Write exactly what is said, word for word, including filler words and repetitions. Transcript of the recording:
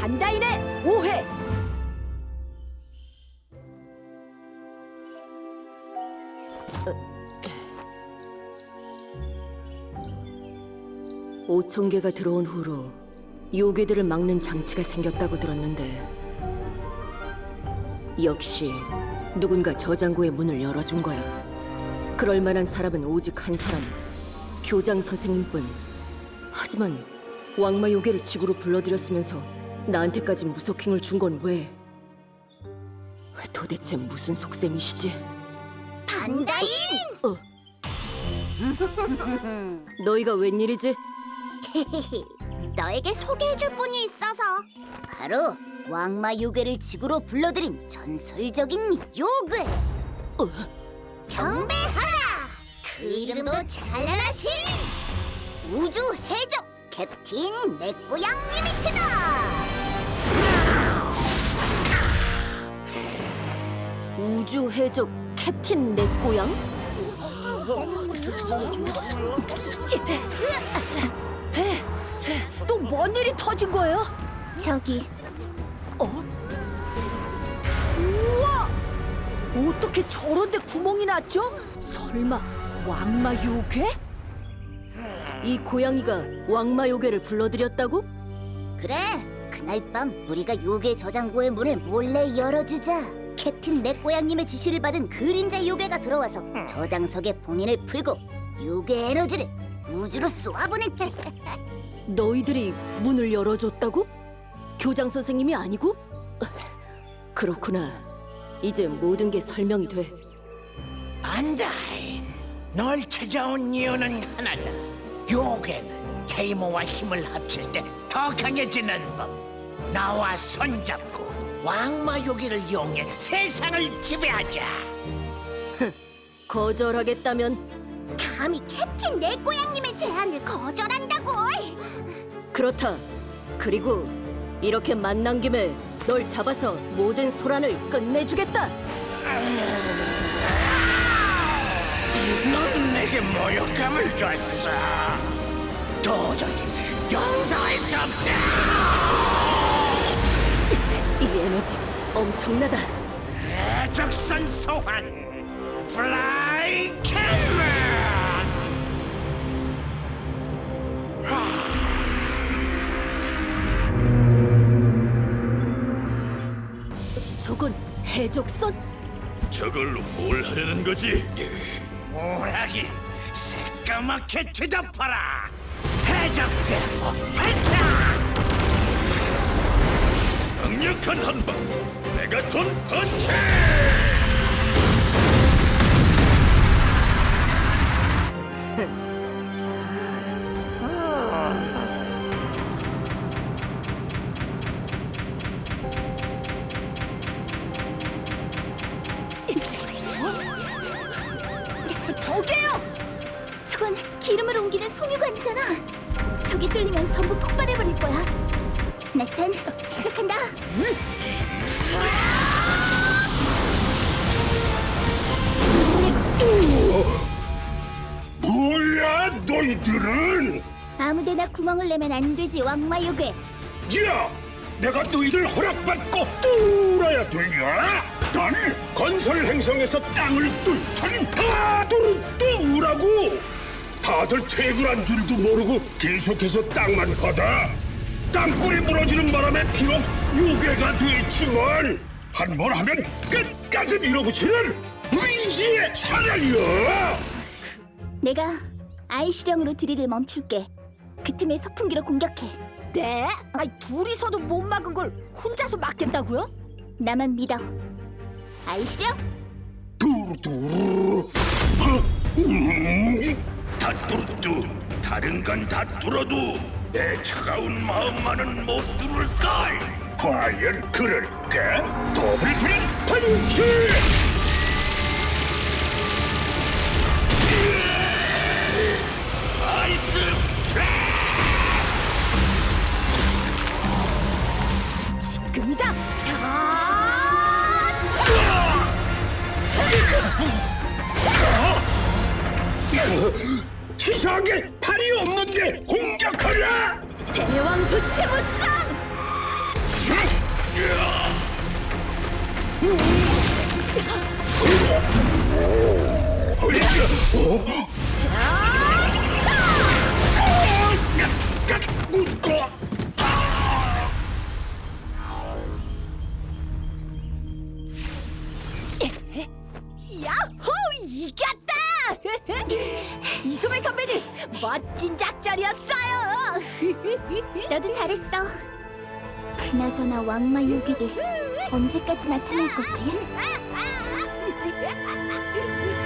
반다인의 오해. 오천 개가 들어온 후로 요괴들을 막는 장치가 생겼다고 들었는데 역시 누군가 저장고의 문을 열어준 거야. 그럴 만한 사람은 오직 한 사람, 교장 선생님뿐. 하지만 왕마 요괴를 지구로 불러들였으면서 나한테까지 무속행을 준 건 왜? 도대체 무슨 속셈이시지? 반다인! 어. 너희가 웬일이지? 너에게 소개해줄 분이 있어서. 바로 왕마 요괴를 지구로 불러들인 전설적인 요괴. 어. 경배하라! 그 이름도 찬란하신 우주 해적 캡틴 내꼬양님이시다. 우주 해적 캡틴 내꼬양? 또 뭔 일이 터진 거예요? 저기 어? 우와! 어떻게 저런 데 구멍이 났죠? 설마 왕마 요괴? 이 고양이가 왕마 요괴를 불러들였다고? 그래, 그날 밤 우리가 요괴 저장고의 문을 몰래 열어주자 캡틴 내꼬양님의 지시를 받은 그림자 요괴가 들어와서 저장석의 봉인을 풀고 요괴 에너지를 우주로 쏘아보냈지. 너희들이 문을 열어줬다고? 교장 선생님이 아니고? 그렇구나. 이제 모든 게 설명이 돼. 반다인, 널 찾아온 이유는 하나다. 요괴는 테이모와 힘을 합칠 때 더 강해지는 법. 나와 손잡고 왕마 요괴를 이용해 세상을 지배하자. 거절하겠다면? 감히 캡틴 내꼬양님의 제안을 거절한다고? 그렇다. 그리고 이렇게 만난 김에 널 잡아서 모든 소란을 끝내주겠다. 넌 내게 모욕감을 줬어. 도저히 용서할 수 없다. 이 에너지 엄청나다. 해적선 소환 플라이 캠era. 저건 해적선? 저걸로 뭘 하려는 거지? 뭐라긴 새까맣게 뒤덮어라. 해적대포 발사. 강력한 한방 메가톤 펀치! 저게요! 저건 기름을 옮기는 송유관이잖아. 저기 뚫리면 전부 폭발해버릴 거야. 나찬, 시작한다. 뭐야 너희들은? 아무데나 구멍을 내면 안 되지, 왕마 요괴. 야! 내가 너희들 허락받고 뚫어야 되냐? 나는 건설 행성에서 땅을 뚫더니 다 뚫어 뚫으라고! 다들 퇴근한 줄도 모르고 계속해서 땅만 파다. 땅굴이 무너지는 바람에 비록 요괴가 됐지만 한 번 하면 끝까지 밀어붙이는 의지의 사냥이야! 내가 아이시령으로 드릴을 멈출게. 그 틈에 서풍기로 공격해. 네? 아니, 둘이서도 못 막은 걸 혼자서 막겠다고요? 나만 믿어. 아이시령? 두루두루. 다 뚫어도 다른 건 다 뚫어도 내 차가운 마음만은 못 뚫을걸. 과연 그럴까? 더블 프린 펀치! 아이스 지금이다! 치사하게 팔이 없는데 공격하랴! 대왕 부채무쌍! 야호! 이겼다! 이소매 선배님, 멋진 작전이었어요! 너도 잘했어. 그나저나 왕마 요괴들 언제까지 나타날 거지?